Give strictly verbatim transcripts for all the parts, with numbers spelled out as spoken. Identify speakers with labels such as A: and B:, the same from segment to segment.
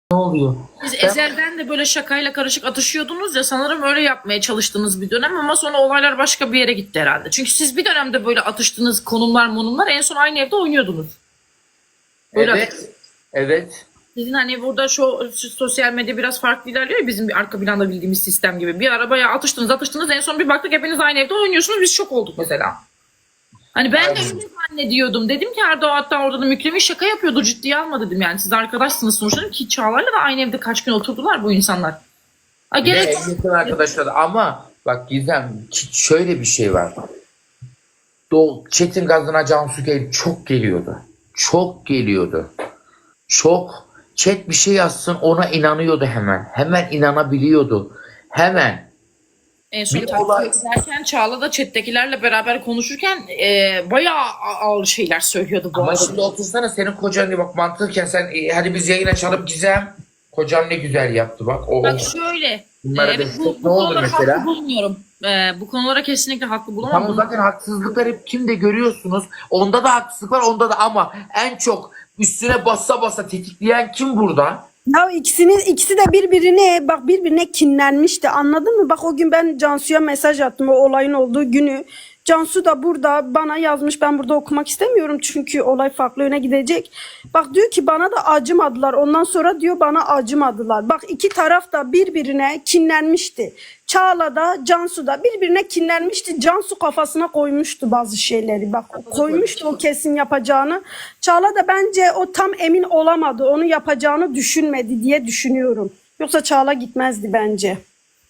A: Ne oluyor?
B: Siz
A: Ben
B: ezelden de böyle şakayla karışık atışıyordunuz ya, sanırım öyle yapmaya çalıştığınız bir dönem ama sonra olaylar başka bir yere gitti herhalde. Çünkü siz bir dönemde böyle atıştığınız konumlar monumlar en son aynı evde oynuyordunuz. Böyle
A: evet. Evet.
B: sizin hani burada şu, şu sosyal medya biraz farklı ilerliyor ya, bizim bir arka planda bildiğimiz sistem gibi. Bir arabaya atıştınız atıştınız en son bir baktık hepiniz aynı evde oynuyorsunuz, biz şok olduk mesela. Hani ben de öyle zannediyordum. Dedim ki Erdoğan hatta orada da Mükremin şaka yapıyordu, ciddiye alma dedim yani. Siz arkadaşsınız sonuçta, dedim ki Çağlar'la da aynı evde kaç gün oturdular bu insanlar. Ha,
A: Ve
B: gerek
A: en yakın arkadaşlar ama bak Gizem, şöyle bir şey var. Do Çetin Gazına Cansu Gel çok geliyordu. Çok geliyordu. Çok. Chat bir şey yazsın ona inanıyordu hemen. Hemen inanabiliyordu. Hemen.
B: En son
A: Bir
B: takip
A: olay.
B: ederken Çağla da chat'tekilerle beraber konuşurken e, bayağı ağır şeyler söylüyordu bu
A: Ama
B: arada.
A: şimdi otursana, senin kocan diye bak mantıken sen e, hadi biz yayın açalım Gizem. Kocam ne güzel yaptı bak. O,
B: Bak şöyle,
A: bunlara
B: e,
A: destek
B: bu,
A: ne
B: bu
A: olur
B: konulara
A: mesela?
B: haklı bulmuyorum. E, bu konulara kesinlikle haklı bulamam.
A: Tamam,
B: Bunu
A: zaten haksızlıklar hep kimde görüyorsunuz. Onda da haksızlık var, onda da, ama en çok üstüne bassa bassa tetikleyen kim burada?
C: Ya ikisini ikisi de birbirine bak birbirine kinlenmişti, anladın mı? Bak o gün ben Cansu'ya mesaj attım o olayın olduğu günü. Cansu da burada bana yazmış, ben burada okumak istemiyorum çünkü olay farklı yöne gidecek. Bak diyor ki bana da acımadılar, ondan sonra diyor bana acımadılar. Bak iki taraf da birbirine kinlenmişti. Çağla da Cansu da birbirine kinlenmişti. Cansu kafasına koymuştu bazı şeyleri. Bak koymuştu o kesin yapacağını. Çağla da bence o tam emin olamadı. Onu yapacağını düşünmedi diye düşünüyorum. Yoksa Çağla gitmezdi bence.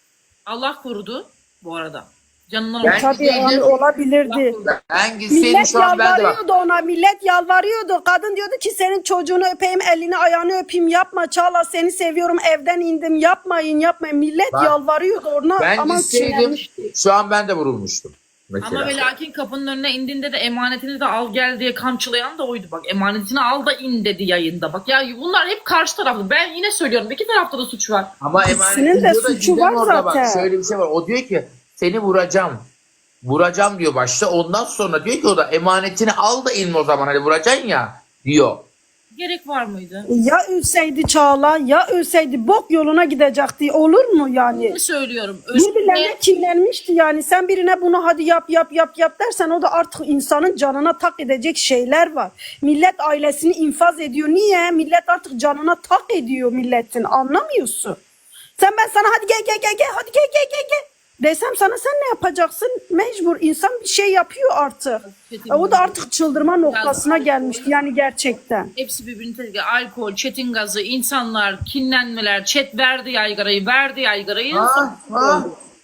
B: Allah korudu bu arada. Canından
A: Ben
B: olsun.
C: Tabii yani
A: gideydim.
C: olabilirdi.
A: Ben gitseydim
C: Millet
A: şu an ben de bak.
C: yalvarıyordu ona, millet yalvarıyordu. Kadın diyordu ki senin çocuğunu öpeyim, elini ayağını öpeyim, yapma Çağla, seni seviyorum, evden indim, yapmayın yapmayın. Millet
A: Bak,
C: yalvarıyordu ona
A: Ben
C: ama
A: gitseydim
C: kinlenmişti.
A: şu an ben de vurulmuştum. Mesela.
B: Ama ve lakin kapının önüne indiğinde de emanetini de al gel diye kamçılayan da oydu bak. Emanetini al da in dedi yayında. Bak ya, bunlar hep karşı taraflı. Ben yine söylüyorum, iki tarafta da suç var.
A: Ama
C: İkisinin
A: emanet
C: de
A: diyor da
C: suçu
A: Gizem
C: var
A: orada
C: zaten.
A: bak şöyle bir şey var. O diyor ki seni vuracağım. Vuracağım diyor başta. Ondan sonra diyor ki o da emanetini al da in o zaman, hani vuracaksın ya diyor.
B: Gerek var mıydı?
C: Ya ölseydi Çağla, ya ölseydi bok yoluna gidecekti. Olur mu yani?
B: Ne söylüyorum?
C: Birbirlerine
B: Özgür'le
C: kinlenmişti yani. Sen birine bunu hadi yap yap yap yap dersen o da artık insanın canına tak edecek şeyler var. Millet ailesini infaz ediyor. Niye? Millet artık canına tak ediyor milletin. Anlamıyorsun. Sen ben sana hadi gel gel gel gel hadi gel gel gel gel desem sana sen ne yapacaksın? Mecbur insan bir şey yapıyor artık. E, o da artık çıldırma noktasına gelmişti yani gerçekten.
B: hepsi birbirini tetikliyor. Alkol, çetin gazı, insanlar, kinlenmeler, chat verdi yaygarayı, verdi yaygarayı.
A: Ha, ha.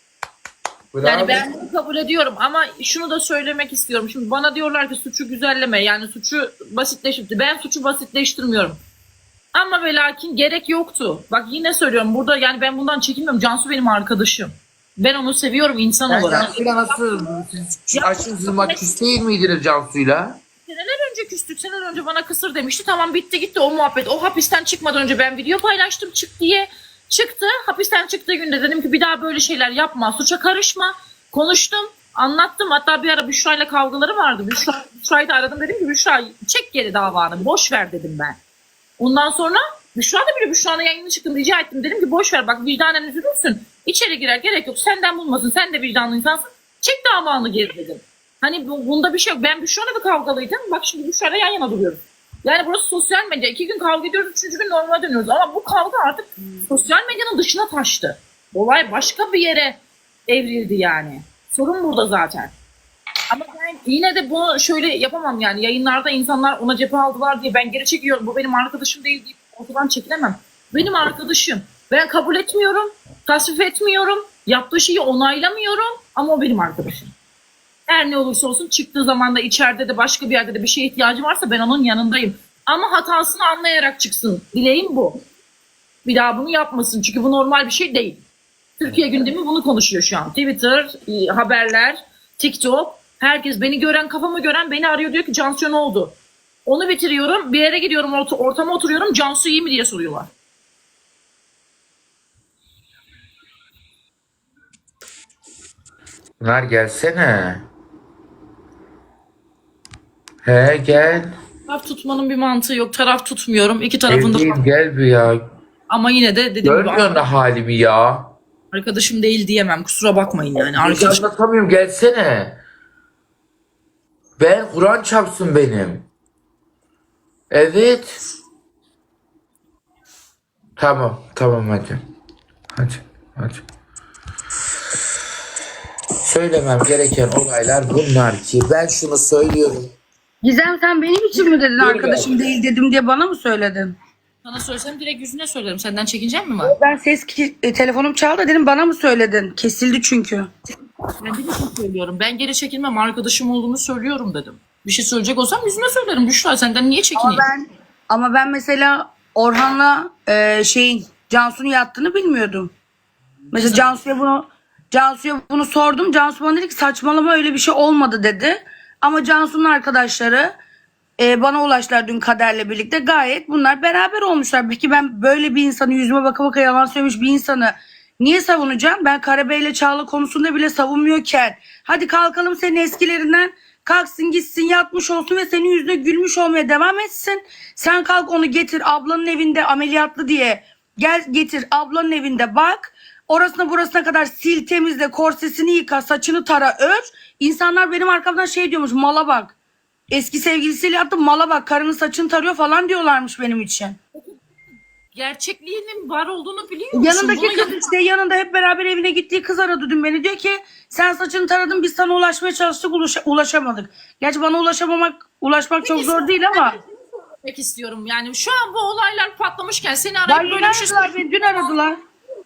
B: Yani ben bunu kabul ediyorum ama şunu da söylemek istiyorum. Şimdi bana diyorlar ki suçu güzelleme, yani suçu basitleştirdi. Ben suçu basitleştirmiyorum. Ama ve lakin gerek yoktu. Bak yine söylüyorum burada, yani ben bundan çekinmiyorum. Cansu benim arkadaşım. Ben onu seviyorum insan
A: Sen
B: olarak.
A: Cansu'yla nasıl siz aşırı bak küs değil miydiniz Cansu'yla?
B: Seneler önce küstük. Seneler önce bana kısır demişti. Tamam, bitti gitti o muhabbet. O hapisten çıkmadan önce ben video paylaştım çık diye. Çıktı. Hapisten çıktığı günde dedim ki bir daha böyle şeyler yapma. Suça karışma. Konuştum. Anlattım. Hatta bir ara Büşra'yla kavgaları vardı. Büşra, Büşra'yı da aradım. Dedim ki Büşra çek geri davanı. Boş ver dedim ben. Ondan sonra Büşra da bile Büşra'nın yayınına çıktım. Rica ettim. Dedim ki boş ver bak, vicdanen üzülürsün. İçeri girer, gerek yok. Senden bulmasın. Sen de vicdanlı insansın. Çek davanı geri dedim. Hani bu, bunda bir şey yok. Ben Büşra'yla da kavgalıydım. Bak şimdi Büşra'yla yan yana duruyoruz. Yani burası sosyal medya. İki gün kavga ediyoruz. Üçüncü gün normale dönüyoruz. Ama bu kavga artık sosyal medyanın dışına taştı. Olay başka bir yere evrildi yani. Sorun burada zaten. Ama ben yine de bunu şöyle yapamam yani. Yayınlarda insanlar ona cephe aldılar diye ben geri çekiyorum. Bu benim arkadaşım değil deyip ortadan çekilemem. Benim arkadaşım. Ben kabul etmiyorum. Tasvip etmiyorum. Yaptığı şeyi onaylamıyorum. Ama o benim arkadaşım. Her ne olursa olsun çıktığı zaman da içeride de başka bir yerde de bir şeye ihtiyacı varsa ben onun yanındayım. Ama hatasını anlayarak çıksın. Dileğim bu. Bir daha bunu yapmasın. Çünkü bu normal bir şey değil. Türkiye gündemi bunu konuşuyor şu an. Twitter, e, haberler, TikTok. Herkes beni gören, kafamı gören beni arıyor, diyor ki Cansu ne oldu? Onu bitiriyorum. Bir yere gidiyorum, ort ortama oturuyorum. Cansu iyi mi diye soruyorlar.
A: Pınar gelsene. He gel.
B: Taraf tutmanın bir mantığı yok. Taraf tutmuyorum. İki tarafında
A: Evdeyim, gel bir ya.
B: Ama yine de dedim
A: Görmüyor musun halimi ya?
B: arkadaşım değil diyemem. Kusura bakmayın yani.
A: Hiç
B: Arkadaşım
A: anlatamıyorum, gelsene. Ben Kur'an çarpsın benim. Evet. Tamam tamam hadi. Hadi hadi. Söylemem gereken olaylar bunlar ki ben şunu söylüyorum.
D: Gizem sen benim için mi dedin
A: Dur
D: arkadaşım
A: ya.
D: değil dedim diye bana mı söyledin?
B: sana söylesem direkt yüzüne söylerim. Senden çekincen mi var?
D: Ben ses ki, e, telefonum çaldı dedim bana mı söyledin? Kesildi çünkü.
B: Ben bir de şey söylüyorum. Ben geri çekilmem. Arkadaşım olduğunu söylüyorum dedim. Bir şey söyleyecek olsam yüzüne söylerim. Büşra senden niye
D: Ama
B: çekineyim?
D: ben ama ben mesela Orhan'la e, şeyin Cansu'nun yattığını bilmiyordum. Mesela Cansu'ya bunu Cansu'ya bunu sordum. Cansu bana dedi ki saçmalama öyle bir şey olmadı dedi. Ama Cansu'nun arkadaşları e, bana ulaştılar dün Kader'le birlikte. Gayet bunlar beraber olmuşlar. Peki ben böyle bir insanı yüzüme baka baka yalan söylemiş bir insanı niye savunacağım? Ben Karabey'le Çağla konusunda bile savunmuyorken hadi kalkalım senin eskilerinden kalksın gitsin yatmış olsun ve senin yüzüne gülmüş olmaya devam etsin. Sen kalk onu getir ablanın evinde ameliyatlı diye gel getir ablanın evinde bak. Orasına burasına kadar sil temizle korsesini yıka saçını tara ör. İnsanlar benim arkamdan şey diyormuş mala bak. Eski sevgilisiyle yaptı mala bak karının saçını tarıyor falan diyorlarmış benim için.
B: Gerçekliğinin var olduğunu biliyor musun?
D: Yanındaki
B: Bunu
D: kız işte yanında hep beraber evine gittiği kız aradı dün beni. Diyor ki sen saçını taradın biz sana ulaşmaya çalıştık ulaş- ulaşamadık. Gerçi bana ulaşamamak ulaşmak çok zor değil ama.
B: yapmak istiyorum. Yani şu an bu olaylar patlamışken seni
D: Ya
B: arayıp
D: yine
B: böyle bir şey
D: aradılar beni dün aradılar.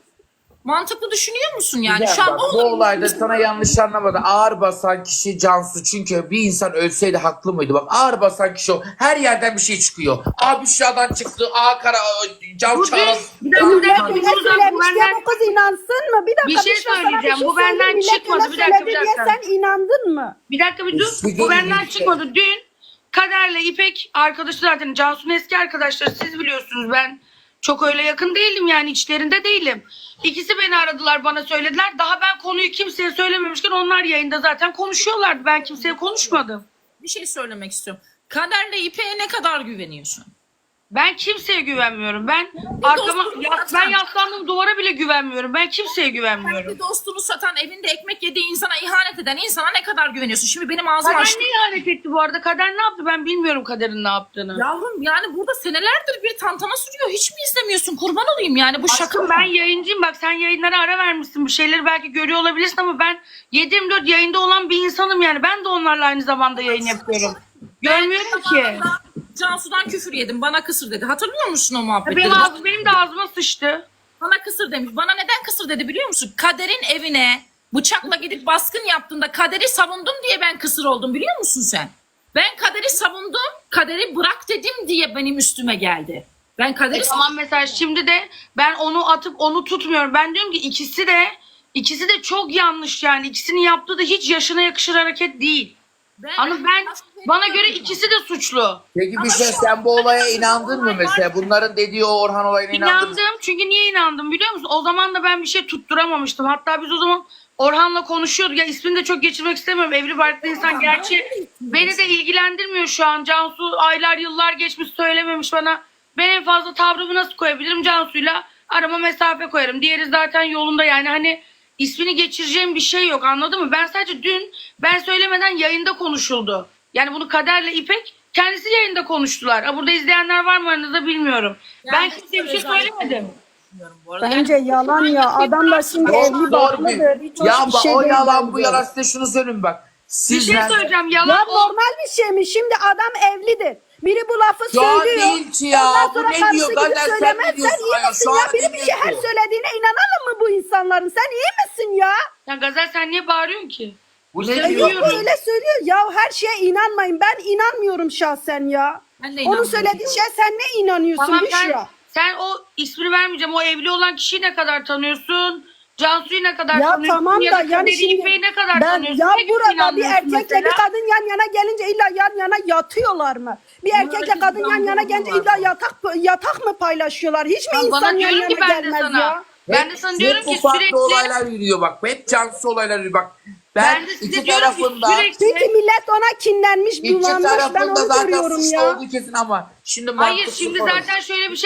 B: mantıklı düşünüyor musun yani?
A: Güzel,
B: Şu an
A: bak,
B: bu
A: bu
B: olay-
A: olayda sana yanlış anlamadı. Ağır basan kişi Cansu, çünkü bir insan ölseydi haklı mıydı? Bak ağır basan kişi o. Her yerden bir şey çıkıyor. A Büşra'dan çıktı. A Kara, Can
D: Bu
A: Çağla.
D: bir dakika bir dakika bir
C: Millet
D: dur, dur,
C: söylemiş
D: bu
C: diye
D: benden
C: bu kız inansın mı? Bir dakika
D: Bir şey
C: Büşra, sana
D: söyleyeceğim. Bu
C: söyleyeyim.
D: benden
C: Millet
D: çıkmadı.
C: öyle
D: Bir dakika,
C: söyledi
D: bir
C: diye
D: dakika.
C: sen inandın mı?
D: bir dakika bir dur.
A: Bir
D: Bu
A: dur,
D: benden
A: bir-
D: çıkmadı. Dün Kader'le İpek arkadaşı zaten Cansu'nun eski arkadaşları siz biliyorsunuz ben çok öyle yakın değilim yani içlerinde değilim. İkisi beni aradılar bana söylediler. Daha ben konuyu kimseye söylememişken onlar yayında zaten konuşuyorlardı. Ben kimseye konuşmadım.
B: bir şey söylemek istiyorum. Kaderle İpek'e ne kadar güveniyorsun?
D: Ben kimseye güvenmiyorum. Ben arkama
B: dostum
D: yas-
B: zaten.
D: ben yaslandığım duvara bile güvenmiyorum. Ben kimseye güvenmiyorum.
B: Bir dostunu satan, evinde ekmek yediği insana ihanet eden insana ne kadar güveniyorsun? Şimdi benim ağzım
D: Kader
B: açtı.
D: ne ihanet etti bu arada? Kader ne yaptı? Ben bilmiyorum Kader'in ne yaptığını.
B: Yavrum yani burada senelerdir bir tantana sürüyor. Hiç mi izlemiyorsun? Kurban olayım yani bu şaka
D: Aşkım
B: mı?
D: ben yayıncıyım. Bak sen yayınlara ara vermişsin. Bir şeyleri belki görüyor olabilirsin ama ben yedi yirmi dört yayında olan bir insanım yani. Ben de onlarla aynı zamanda yayın yapıyorum. Görmüyorum ki.
B: Zamanında Cansu'dan küfür yedim. Bana kısır dedi. Hatırlıyor musun o muhabbetleri?
D: Benim, ağzım, benim de ağzıma sıçtı.
B: Bana kısır demiş. Bana neden kısır dedi biliyor musun? Kader'in evine bıçakla gidip baskın yaptığında Kader'i savundum diye ben kısır oldum biliyor musun sen? Ben Kader'i savundum. Kader'i bırak dedim diye benim üstüme geldi. Ben Kader'i
D: E tamam mesela şimdi de ben onu atıp onu tutmuyorum. Ben diyorum ki ikisi de ikisi de çok yanlış yani. İkisinin yaptığı da hiç yaşına yakışır hareket değil.
B: Ben,
D: Ama ben bana göre ikisi de suçlu.
A: Peki bir şey, sen bu olaya inandın mı mesela? Bunların dediği o Orhan olayına inandın mı?
D: İnandım çünkü niye inandım biliyor musun? O zaman da ben bir şey tutturamamıştım. Hatta biz o zaman Orhan'la konuşuyorduk. Ya ismini de çok geçirmek istemiyorum. Evli barklı insan gerçi beni de ilgilendirmiyor şu an. Cansu aylar yıllar geçmiş söylememiş bana. Ben en fazla tavrımı nasıl koyabilirim? Cansu'yla arama mesafe koyarım. Diğeri zaten yolunda yani hani ismini geçireceğim bir şey yok anladın mı? Ben sadece dün ben söylemeden yayında konuşuldu. Yani bunu Kader'le İpek kendisi yayında konuştular. Ha, burada izleyenler var mı aranızda bilmiyorum. ben kimseye bir şey söylemedim.
B: Bu arada
C: Bence yalan ya. Adam da şimdi
A: Çok
C: evli
A: zor
C: barklıdır.
A: bir.
C: Hiç hoş
A: Ya
C: bir
A: bak,
C: şey
A: o
C: değil
A: yalan bu
C: bence.
A: yalan, size şunu söyleyeyim bak.
D: Bir şey
A: Sizler
D: söyleyeceğim
C: Ya
D: yalan o.
C: normal bir şey mi? Şimdi adam evlidir. Biri bu lafı
A: Şu an
C: söylüyor.
A: değil ki ya.
C: Ondan
A: Bu
C: sonra
A: ne
C: karısı
A: diyor?
C: gibi
A: Galler, sen ne
C: söylemez.
A: diyorsun
C: iyi
A: ya?
C: misin
A: Şu
C: ya?
A: an
C: Biri bir şey her
A: dinliyorsun.
C: söylediğine inanalım mı bu insanların? Sen iyi misin ya?
D: Ya Gazel sen niye bağırıyorsun ki?
A: bu
D: Ya
A: ne
C: E
A: diyor?
C: yok öyle söylüyor. Ya her şeye inanmayın. Ben inanmıyorum şahsen ya.
B: Ben de
C: Onun
B: inanmıyorum.
C: söylediği şey sen ne inanıyorsun
D: Tamam
C: Büşra?
D: sen, sen o ismini vermeyeceğim. O evli olan kişiyi ne kadar tanıyorsun? Cansu'yu ne kadar
C: Ya
D: tanıyorsun?
C: tamam
D: ya
C: da
D: da
C: yani
D: Kader'i,
C: şimdi
D: İpek'i ne kadar
C: ben
D: tanıyorsun?
C: ya
D: Ne gibi
C: burada bir
D: inanmıyorsun
C: erkekle
D: mesela?
C: bir kadın yan yana gelince illa yan yana yatıyorlar mı? Bir erkekle kadın yan yana gelince illa yatak yatak mı paylaşıyorlar? Hiç mi
D: Ya
C: insan
D: bana
C: yan
D: diyorum
C: yana
D: ki ben de
C: gelmez
D: sana.
C: ya?
D: Ben de sana
A: Hep-
D: diyorum
A: hep bu
D: ki
A: farklı
D: sürekli
A: olaylar yürüyor bak. Hep Cansu olaylar yürüyor bak. Ben,
D: ben de size
A: iki
D: diyorum ki
A: tarafında
D: sürekli
C: Çünkü millet ona kinlenmiş,
A: iki
C: bulanmış. Ben
A: tarafında
C: onu
A: zaten
C: görüyorum
A: suçlu
C: ya.
A: olduğu kesin ama şimdi
D: hayır
A: mantıksız
D: şimdi
A: konuşuyor.
D: zaten şöyle bir şey var.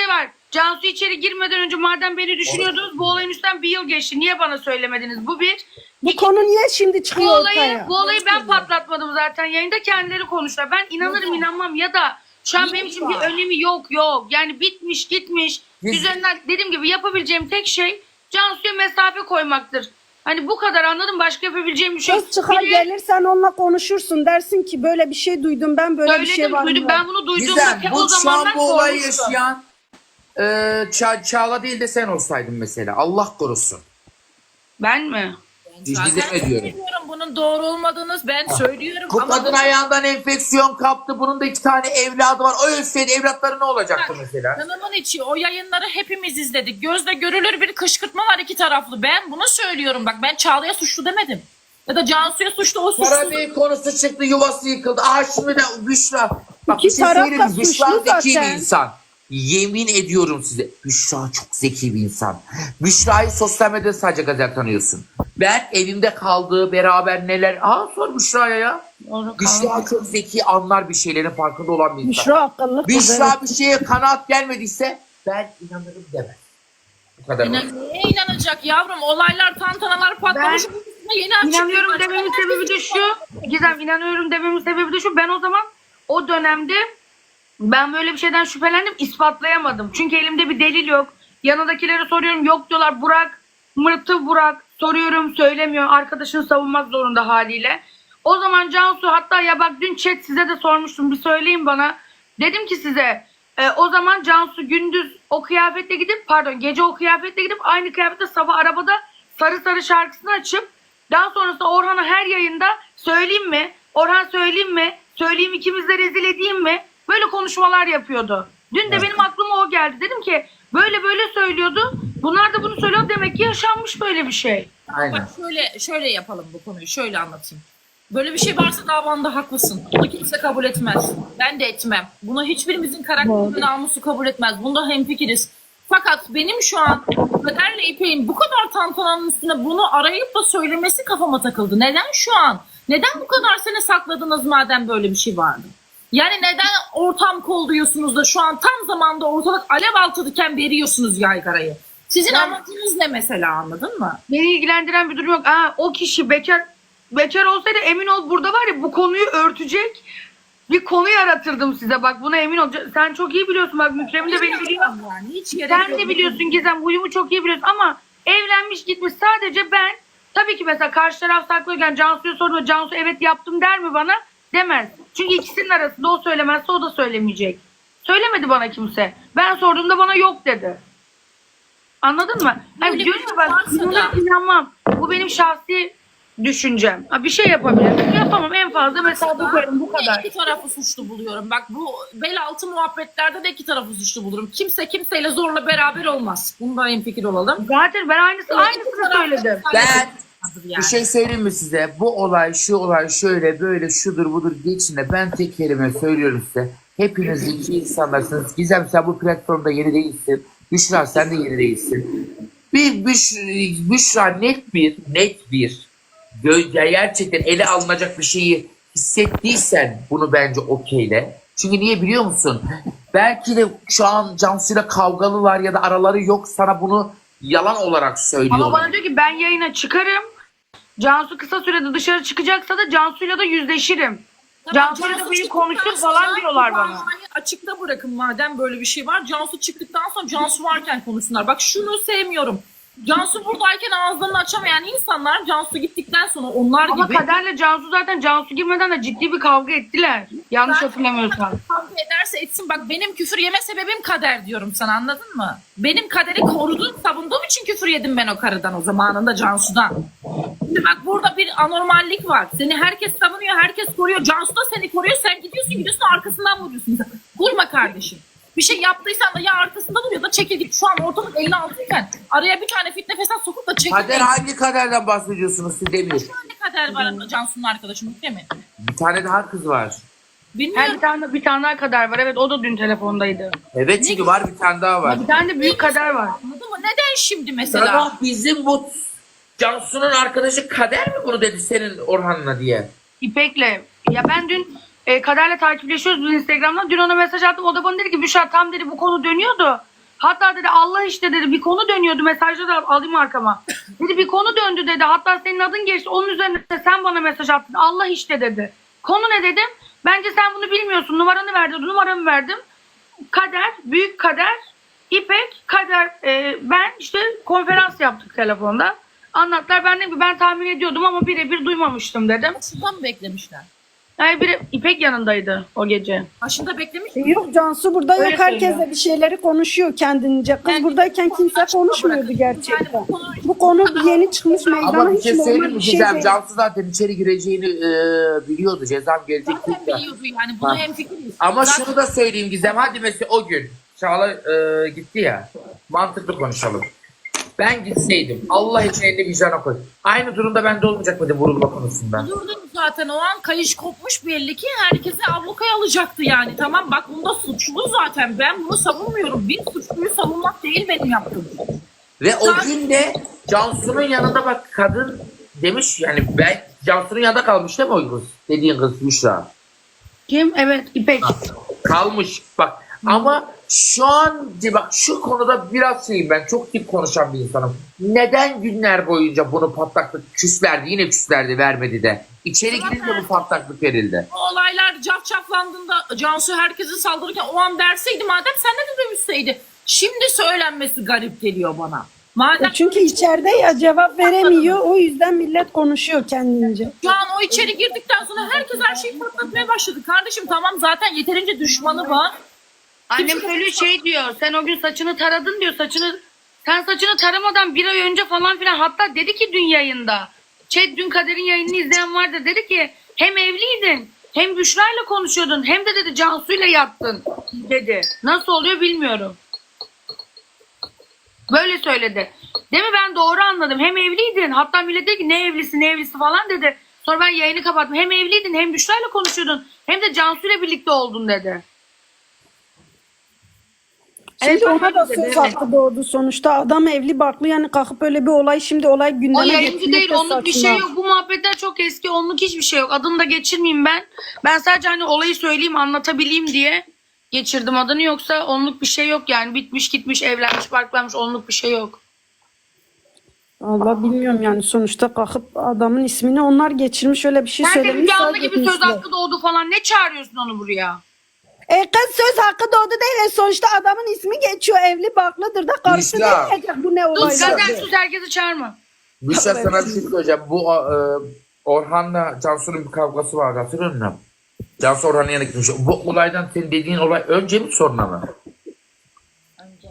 D: Cansu içeri girmeden önce madem beni düşünüyordunuz bu olayın üstten bir yıl geçti. Niye bana söylemediniz? Bu bir.
C: Bu konu niye şimdi
D: Bu
C: çıkıyor
D: olayı,
C: ortaya?
D: bu olayı ben patlatmadım zaten. Yayında kendileri konuştular. Ben inanırım inanmam ya da şu an benim için bir önemi yok yok. Yani bitmiş gitmiş.
A: Biz-
D: Üzerinden dediğim gibi yapabileceğim tek şey Cansu'ya mesafe koymaktır. Hani bu kadar anladım. Başka yapabileceğim bir şey yok.
C: Kız çıkar
D: Bir de
C: gelirsen onunla konuşursun. Dersin ki böyle bir şey duydum ben böyle bir
D: söyledim,
C: şey var.
D: duydum.
C: mı?
D: Ben bunu duyduğumda
A: Gizem,
D: te-
A: bu
D: o
A: şu
D: zaman
A: an
D: ben
A: bu olayı
D: korkmuştum.
A: yaşayan e, Ça- Çağla değil de sen olsaydın mesela. Allah korusun.
D: Ben mi?
A: Biz
B: Zaten
A: Gizem'e diyorum.
B: söylüyorum bunun doğru olmadığını ben söylüyorum.
A: Bu
B: ama
A: kadın ayağından enfeksiyon kaptı. Bunun da iki tane evladı var. O ölseydi evlatları ne olacaktı mesela?
B: Kanımın içi o yayınları hepimiz izledik. Gözle görülür bir kışkırtma var iki taraflı. Ben bunu söylüyorum bak ben Çağla'ya suçlu demedim. Ya da Cansu'ya suçlu o suçlu.
A: Karabey konusu çıktı, yuvası yıkıldı. Aa şimdi de Büşra. Bak
C: İki
A: bir şey
C: taraf
A: söyleyeyim
C: da
A: mi? Büşra
C: suçlu
A: zeki bir
C: zaten.
A: insan. Yemin ediyorum size. Büşra çok zeki bir insan. Büşra'yı sosyal medyada sadece gazel tanıyorsun. Ben evimde kaldığı beraber neler... Aa sor Büşra'ya ya.
D: Onu
A: Büşra çok zeki, anlar bir şeylerin farkında olan bir insan.
C: Büşra akıllı kız.
A: Büşra
C: evet.
A: bir şeye kanaat gelmediyse ben inanırım demez. Bu kadar.
B: İnan, neye inanacak yavrum? Olaylar, tantanalar patlamış.
D: Ben
B: yeni açık
D: İnanıyorum
B: bir-
D: dememin sebebi de şu. Gizem inanıyorum dememin sebebi de şu. Ben o zaman o dönemde ben böyle bir şeyden şüphelendim. İspatlayamadım. Çünkü elimde bir delil yok. Yanındakilere soruyorum. Yok diyorlar. Burak. Mırtı Burak. Soruyorum söylemiyor. Arkadaşını savunmak zorunda haliyle. O zaman Cansu hatta ya bak dün chat size de sormuştum. Bir söyleyin bana. Dedim ki size e, o zaman Cansu gündüz o kıyafetle gidip pardon gece o kıyafetle gidip aynı kıyafetle sabah arabada sarı sarı şarkısını açıp daha sonrasında Orhan'a her yayında söyleyeyim mi? Orhan söyleyeyim mi? Söyleyeyim ikimiz de rezil edeyim mi? Böyle konuşmalar yapıyordu. Dün de benim aklıma o geldi. Dedim ki böyle böyle söylüyordu. Bunlar da bunu söylüyor. Demek ki yaşanmış böyle bir şey.
A: Aynen.
B: Bak şöyle şöyle yapalım bu konuyu. Şöyle anlatayım. Böyle bir şey varsa davanda haklısın. Bunu kimse kabul etmez. Ben de etmem. Bunu hiçbirimizin karakteri ve namusu kabul etmez. Bunda hemfikiriz. Fakat benim şu an Kader'le İpek'in bu kadar tantananın üstüne bunu arayıp da söylemesi kafama takıldı. Neden şu an? Neden bu kadar sene sakladınız madem böyle bir şey vardı? Yani neden ortam kolluyorsunuz da şu an tam zamanda ortalık alev altıdayken veriyorsunuz yaygarayı? Sizin amacınız ne mesela anladın mı?
D: Beni ilgilendiren bir durum yok. Aa, o kişi bekar bekar olsaydı emin ol burada var ya bu konuyu örtecek bir konu yaratırdım size. Bak buna emin ol. Sen çok iyi biliyorsun. Bak Mükrem'in de beni biliyor.
B: Yani hiç gerek
D: Sen
B: yok.
D: de biliyorsun Gizem. Huyumu çok iyi biliyorsun ama evlenmiş gitmiş. Sadece ben tabii ki mesela karşı taraf saklıyorken Cansu'ya sorduğumda Cansu evet yaptım der mi bana? Demez. Çünkü ikisinin arasında o söylemezse o da söylemeyecek. Söylemedi bana kimse. Ben sorduğumda bana yok dedi. Anladın mı? Hani
B: Böyle
D: diyorum
B: bir
D: ya ben
B: varsa da-
D: inanırım, inanmam. Bu benim şahsi düşüncem. Ha, bir şey yapabilirim. Yapamam en fazla mesafe koyarım bu kadar.
B: İki tarafı suçlu buluyorum. Bak bu bel altı muhabbetlerde de iki tarafı suçlu bulurum. Kimse kimseyle zorla beraber olmaz. Bunda hemfikir olalım.
D: Zaten ben aynısı
B: İki
D: aynısını
B: taraf da
D: söyledim.
B: bir
A: Ben
B: tane yani.
A: bir şey söyleyeyim mi size? Bu olay, şu olay şöyle böyle şudur budur geçinde ben tek kelime söylüyorum size. Hepiniz iki insanlarsınız. Gizem sen bu platformda yeni değilsin. Büşra sen de yeni değilsin. Bir Büş, Büşra net bir, net bir gö- gerçekten ele alınacak bir şeyi hissettiysen bunu bence okeyle. Çünkü niye biliyor musun? Belki de şu an Cansu'yla kavgalılar ya da araları yok sana bunu yalan olarak söylüyorlar.
D: Ama bana diyor ki ben yayına çıkarım. Cansu kısa sürede dışarı çıkacaksa da Cansu'yla da yüzleşirim.
B: Tamam,
D: Cansu'yla da
B: Cansu
D: beni
B: çıktıktan
D: konuştur
B: sonra
D: falan diyorlar
B: bu
D: bana.
B: bağlamayı Açıkta bırakın madem böyle bir şey var. Cansu çıktıktan sonra Cansu varken konuşsunlar. Bak şunu sevmiyorum. Cansu buradayken ağızlarını açamayan insanlar Cansu gittikten sonra onlar
D: Ama
B: gibi
D: Kader'le Cansu zaten Cansu girmeden de ciddi bir kavga ettiler. Yanlış
B: Zaten
D: hatırlamıyorsam.
B: kavga ederse etsin. Bak benim küfür yeme sebebim Kader diyorum sana anladın mı? Benim Kader'i korudum, savunduğum için küfür yedim ben o karıdan o zamanında Cansu'dan. Şimdi bak burada bir anormallik var. Seni herkes savunuyor, herkes koruyor. Cansu da seni koruyor. Sen gidiyorsun gidiyorsun arkasından vuruyorsun. Vurma kardeşim. Bir şey yaptıysan da ya arkasında dur ya da çekil git. Şu an ortalık elli altı iken araya bir tane fitne fesat sokup da çekil.
A: Kader hangi kaderden bahsediyorsunuz siz Demir?
B: Bir tane Kader var Cansu'nun arkadaşım değil mi?
A: Bir tane daha kız var.
B: Bilmiyorum.
D: Her bir tane bir tane daha Kader var. Evet o da dün telefondaydı.
A: Evet çünkü var bir tane daha var.
D: Bir tane de büyük Kader var.
B: Anladın mı? Neden şimdi mesela?
A: Sana bizim bu Cansu'nun arkadaşı Kader mi bunu dedi senin Orhan'la diye?
D: İpek'le. Ya ben dün e, Kader'le takipleşiyoruz biz Instagram'dan. Dün ona mesaj attım. O da bana dedi ki Büşra tam dedi bu konu dönüyordu. Hatta dedi Allah işte dedi bir konu dönüyordu, mesajda da alayım arkama. Dedi bir konu döndü dedi. Hatta senin adın geçti. Onun üzerine sen bana mesaj attın. Allah işte dedi. Konu ne dedim? Bence sen bunu bilmiyorsun. Numaranı verdi. Numaramı verdim. Kader, büyük Kader, İpek, Kader, e, ben işte konferans yaptık telefonda. Anlattılar. Ben dedim ki ben tahmin ediyordum ama birebir duymamıştım dedim.
B: Başında mı beklemişler?
D: Yani biri İpek yanındaydı o gece.
B: Başında beklemiş
C: E,
B: mi?
C: Yok Cansu burada
D: Öyle
C: yok. Herkes
D: söylüyor.
C: de bir şeyleri konuşuyor kendince. Kız
B: Yani
C: buradayken kimse
B: açıkta
C: konuşmuyordu
B: bırakın.
C: gerçekten.
B: Yani bu konu-
C: Bu konu yeni çıkmış meydana,
A: Ama bir
C: hiç
A: şey
C: normal
A: söyleyeyim mi
C: bir şey
A: Gizem?
C: değil.
A: Cansu zaten içeri gireceğini e, biliyordu. Cezam gelecek.
B: Zaten
A: değil de.
B: biliyordu yani. Bunu
A: Ha.
B: hemfikiriz.
A: Ama
B: Zaten-
A: şunu da söyleyeyim Gizem. Hadi mesela o gün Çağla e, gitti ya. Mantıklı konuşalım. Ben gitseydim Allah için elini vicdana koy. Aynı durumda bende olmayacak mıydı vurulma konusunda?
B: Durdum zaten o an kayış kopmuş belli ki herkesi ablukaya alacaktı yani. Tamam bak bunda suçlu zaten. Ben bunu savunmuyorum. Bir suçluyu savunmak değil benim yaptığım.
A: Ve o gün de Cansu'nun yanında bak kadın demiş yani ben Cansu'nun yanında kalmış değil mi o kız? Dediğin kız Büşra.
D: Kim? Evet İpek.
A: Kalmış bak ama şu an bak şu konuda biraz şeyim ben çok tip konuşan bir insanım. Neden günler boyunca bunu patlaklık küslerdi yine küslerdi vermedi de. İçeri girince bu patlaklık verildi.
B: O olaylar cafcaflandığında Cansu herkese saldırırken o an derseydi madem sen de demişseydi. Şimdi söylenmesi garip geliyor bana. Madem
C: E Çünkü içeride ya cevap veremiyor. O yüzden millet konuşuyor kendince.
B: şu an o içeri girdikten sonra herkes her şeyi patlatmaya başladı. Kardeşim tamam zaten yeterince düşmanı var.
D: Annem söylüyor şey diyor. Sen o gün saçını taradın diyor. Saçını sen saçını taramadan bir ay önce falan filan, hatta dedi ki dün yayında. Şey dün Kader'in yayınını izleyen vardı. Dedi ki hem evliydin hem Büşra'yla konuşuyordun hem de dedi Cansu'yla yattın dedi. Nasıl oluyor bilmiyorum. Böyle söyledi. Değil mi, ben doğru anladım. Hem evliydin, hatta millet dedi ki ne evlisi ne evlisi falan dedi. Sonra ben yayını kapattım. Hem evliydin hem Büşra'yla konuşuyordun hem de Cansu'yla birlikte oldun dedi.
C: Şimdi
D: Evet,
C: ona da
D: öyle
C: söz
D: dedi.
C: hakkı doğdu sonuçta. Adam evli barklı yani kalkıp öyle bir olay şimdi olay
D: O
C: gündeme
D: yayıncı
C: getirmek
D: değil,
C: de
D: onluk bir
C: saçma.
D: şey yok. Bu muhabbetler çok eski, onluk hiçbir şey yok. Adını da geçirmeyeyim ben. Ben sadece hani olayı söyleyeyim, anlatabileyim diye geçirdim adını, yoksa onluk bir şey yok yani. Bitmiş gitmiş, evlenmiş, barklanmış, onluk bir şey yok.
C: Allah bilmiyorum yani sonuçta kalkıp adamın ismini onlar geçirmiş öyle bir şey
D: Herkes
C: söylemiş.
D: bir anda
C: sadece
D: gibi söz
C: etmişler.
D: hakkı doğdu falan. Ne çağırıyorsun onu buraya?
C: E kız söz hakkı doğdu değil. E sonuçta adamın ismi geçiyor. Evli barklıdır da karısı
A: Büşra.
C: ne diyecek bu ne
D: Sus
C: olaylar.
D: Gazel, sus, herkesi çağırma.
A: Büşra sana bir şey söyleyeceğim. Bu e, Orhan'la Cansu'nun bir kavgası vardı hatırlıyor musun? Cansu Orhan'ın yanına gitmiş. Bu olaydan senin dediğin olay önce mi sonra mı?
E: Önce.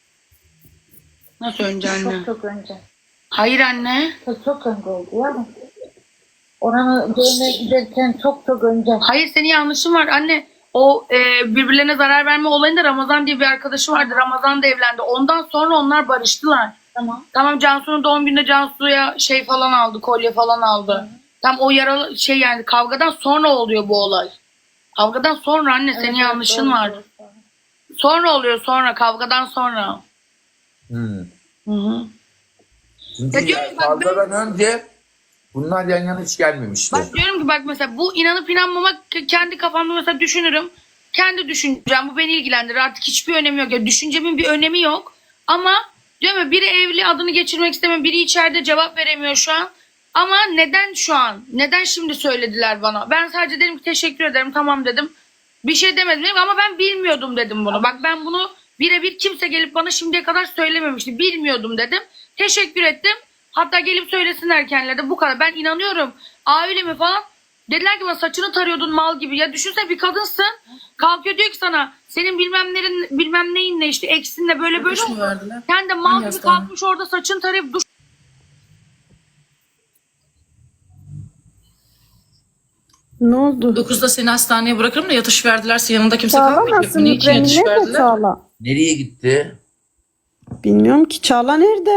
D: Nasıl önce anne?
E: Çok çok önce.
D: Hayır anne.
E: Çok çok önce oldu ya. Oranı görmeye giderken çok çok önce.
D: Hayır, senin yanlışın var anne. O e, birbirlerine zarar verme olayında Ramazan diye bir arkadaşı vardı. Ramazan da evlendi. Ondan sonra onlar barıştılar.
E: Tamam.
D: Tamam, Cansu'nun doğum gününde Cansu'ya şey falan aldı, kolye falan aldı. Tam o yaralı şey yani kavgadan sonra oluyor bu olay. Kavgadan sonra anne, senin
E: Evet,
D: yanlışın
E: doğru,
D: var.
E: doğru, doğru.
D: Sonra oluyor, sonra kavgadan sonra.
A: Hmm.
D: Hı hı.
A: Çünkü
D: Ya diyorum bak,
A: kavgadan önce bunlar yan yana hiç gelmemişti.
D: Bak diyorum ki bak mesela bu inanıp inanmamak kendi kafamda mesela düşünürüm. Kendi düşüncem, bu beni ilgilendirir. Artık hiçbir önemi yok. Ya düşüncemin bir önemi yok. Ama diyorum ya, biri evli, adını geçirmek istemiyor. Biri içeride, cevap veremiyor şu an. Ama neden şu an? Neden şimdi söylediler bana? Ben sadece dedim ki teşekkür ederim, tamam dedim. Bir şey demedim dedim ama ben bilmiyordum dedim bunu. Bak ben bunu birebir kimse gelip bana şimdiye kadar söylememişti. Bilmiyordum dedim. Teşekkür ettim. Hatta gelip söylesinler kendileri de, bu kadar. Ben inanıyorum. Aa öyle mi falan. Dediler ki bana saçını tarıyordun mal gibi. Ya düşünsene, bir kadınsın. Kalkıyor diyor ki sana senin bilmem nerin, bilmem neyinle işte eksinle böyle böyle.
B: Kuş mu verdiler?
D: Sen de mal
B: Hangi
D: gibi
B: hastane?
D: kalkmış orada saçını tarayıp duş.
C: Ne oldu?
B: dokuzda seni hastaneye bırakırım da yatış verdilerse yanında kimse
C: Çağla
B: kalmayacak.
C: nasıl?
B: Niye için
C: Mükremin
B: yatış
C: nerede
B: verdiler?
C: Çağla?
A: Nereye gitti?
C: Bilmiyorum ki Çağla nerede?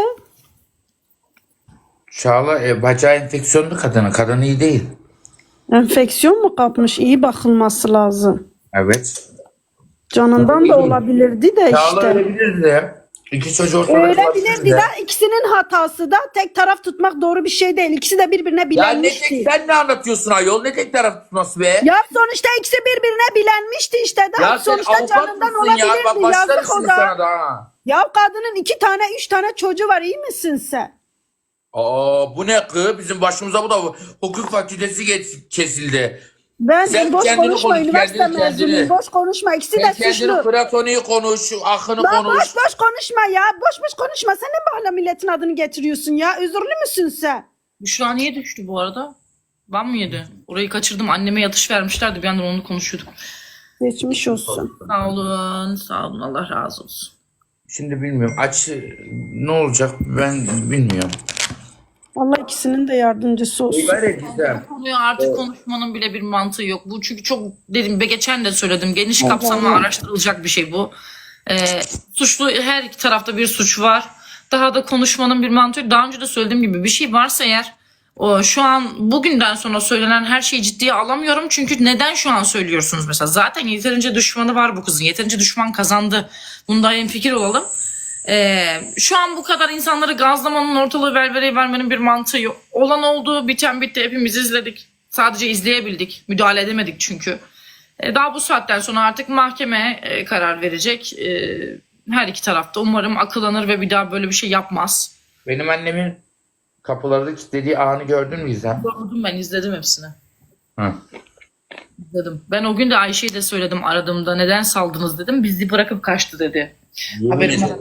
A: Çağla e, bacağı enfeksiyonlu kadını. Kadın iyi değil.
C: Enfeksiyon mu kapmış? İyi bakılması lazım.
A: Evet.
C: Canından da olabilirdi de
A: Çağla
C: işte.
A: ölebilirdi de. İki çocuğu ortada
C: Ölebilirdi
A: de.
C: de ikisinin hatası da tek taraf tutmak doğru bir şey değil. İkisi de birbirine
A: Ya ne
C: bilenmişti.
A: tek sen ne anlatıyorsun ayol? Ne tek taraf tutması be?
C: Ya sonuçta ikisi birbirine bilenmişti işte. De.
A: Ya sen
C: sonuçta
A: avukat
C: canından
A: mısın ya? Bak
C: olabilirdi. Yazık
A: başlarım
C: o
A: şimdi
C: da.
A: sana da ha.
C: Ya kadının iki tane üç tane çocuğu var, iyi misin sen?
A: Aa, bu ne kız? Bizim başımıza bu da hukuk fakültesi geç- kesildi.
C: Ben
A: Sen
C: boş
A: kendini
C: konuşma,
A: konuş,
C: üniversite
A: kendini, kendini.
C: mezunuyum, boş konuşma, ikisi de
A: Sen kendini
C: suçlu.
A: Platon'u konuş, Akın'ı
C: Lan
A: konuş.
C: boş boş konuşma ya, boş boş konuşma. Sen ne bahane milletin adını getiriyorsun ya, özürlü müsün sen?
B: Büşra niye düştü bu arada? Ban mı yedi? Orayı kaçırdım. Anneme yatış vermişlerdi. Bir yandan onu konuşuyorduk.
C: Geçmiş olsun.
B: Sağ olun. Sağ olun. Allah razı olsun.
A: Şimdi bilmiyorum. Aç ne olacak ben bilmiyorum.
C: Allah ikisinin de yardımcısı olsun.
A: Var ya Gizem.
B: Bu konuyu artık konuşmanın bile bir mantığı yok. Bu çünkü çok dedim, be geçen de söyledim. Geniş kapsamlı araştırılacak bir şey bu. Ee, suçlu, her iki tarafta bir suç var. Daha da konuşmanın bir mantığı yok. Daha önce de söylediğim gibi bir şey varsa eğer, o, şu an bugünden sonra söylenen her şeyi ciddiye alamıyorum. Çünkü neden şu an söylüyorsunuz mesela? Zaten yeterince düşmanı var bu kızın. Yeterince düşman kazandı. Bunda hemfikir olalım. Ee, şu an bu kadar insanları gazlamanın, ortalığı velveleye vermenin bir mantığı yok. Olan oldu, biten bitti, hepimiz izledik. Sadece izleyebildik. Müdahale edemedik çünkü. Ee, daha bu saatten sonra artık mahkeme e, karar verecek. Ee, her iki tarafta umarım akıllanır ve bir daha böyle bir şey yapmaz.
A: Benim annemin kapıları kilitlediği anı gördün mü Gizem?
B: Gördüm, ben izledim hepsini.
A: Hı.
B: İzledim. Ben o gün de Ayşe'ye de söyledim aradığımda, neden saldınız dedim. Bizi bırakıp kaçtı dedi.
A: Yemin
B: Haberim
A: ederim.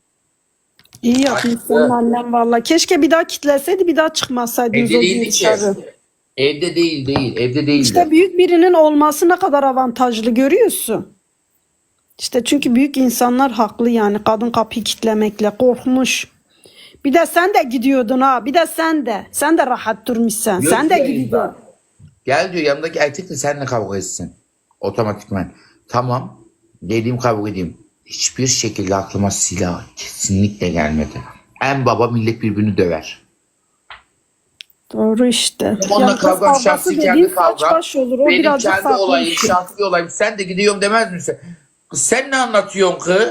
C: İyi yapmışsın annem valla. Keşke bir daha kitleseydi, bir daha çıkmasaydınız
A: Evde
C: o gün
A: değildi ki.
C: dışarı.
A: Evde değil değil. Evde değildi.
C: İşte büyük birinin olması ne kadar avantajlı, görüyorsun. İşte çünkü büyük insanlar haklı yani, kadın kapıyı kitlemekle korkmuş. Bir de sen de gidiyordun ha, bir de sen de. Sen de rahat durmuşsun.
A: Yok
C: Sen de
A: ya,
C: gidiyordun.
A: Gel diyor yanımdaki erkekle seninle kavga etsin. Otomatikman. Tamam. Dediğim kavga edeyim. Hiçbir şekilde aklıma silah kesinlikle gelmedi. En baba millet birbirini döver.
C: Doğru işte.
A: Onunla
C: Yani kız
A: kavga,
C: kavgası
A: şahsi
C: dediğin
A: kendi
C: saç
A: kavga.
C: baş olur. O
A: Benim
C: birazcık
A: kendi
C: farklı
A: olayım,
C: bir şey.
A: şahsi bir olayım. Sen de gidiyorum demez misin? Kız sen ne anlatıyorsun kız?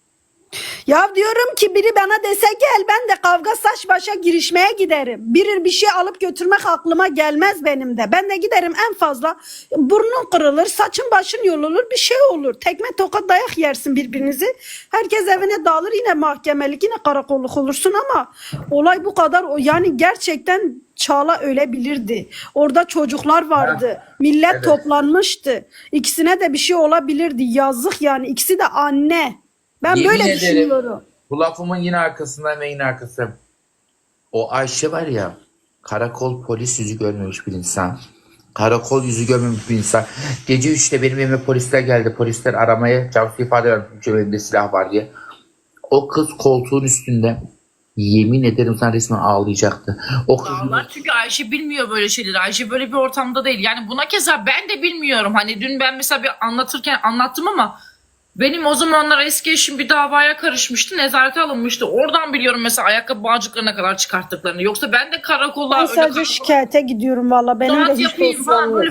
C: Ya diyorum ki biri bana dese gel, ben de kavga saç başa girişmeye giderim. Biri bir şey alıp götürmek aklıma gelmez benim de. Ben de giderim, en fazla burnun kırılır, saçın başın yolulur, bir şey olur. Tekme tokat dayak yersin birbirinizi. Herkes evine dağılır, yine mahkemelik, yine karakolluk olursun ama olay bu kadar. O yani gerçekten Çağla ölebilirdi. Orada çocuklar vardı. Millet
A: Evet.
C: toplanmıştı. İkisine de bir şey olabilirdi. Yazık yani, ikisi de anne. Ben
A: Yemin
C: böyle
A: ederim.
C: düşünüyorum.
A: Bu lafımın yine arkasından ve yine arkası. O Ayşe var ya, karakol polis yüzü görmemiş bir insan. Karakol yüzü görmemiş bir insan. Gece üçte benim evime polisler geldi. Polisler aramaya, Cansu ifade vermiş elimde silah var diye. O kız koltuğun üstünde, yemin ederim sana resmen ağlayacaktı. O kız
B: Dağlar, çünkü Ayşe bilmiyor böyle şeyleri. Ayşe böyle bir ortamda değil. Yani buna keza ben de bilmiyorum. Hani dün ben mesela bir anlatırken anlattım ama benim o zamanlar eski eşim bir davaya karışmıştı. Nezarete alınmıştı. Oradan biliyorum mesela ayakkabı bağcıklarına kadar çıkarttıklarını. Yoksa ben de karakola
C: Ben
B: öyle
C: sadece
B: karakol-
C: şikayete gidiyorum valla. Benim de
B: Rahat
C: hiç
B: yapayım
C: dosyam
B: falan
C: yok.
B: böyle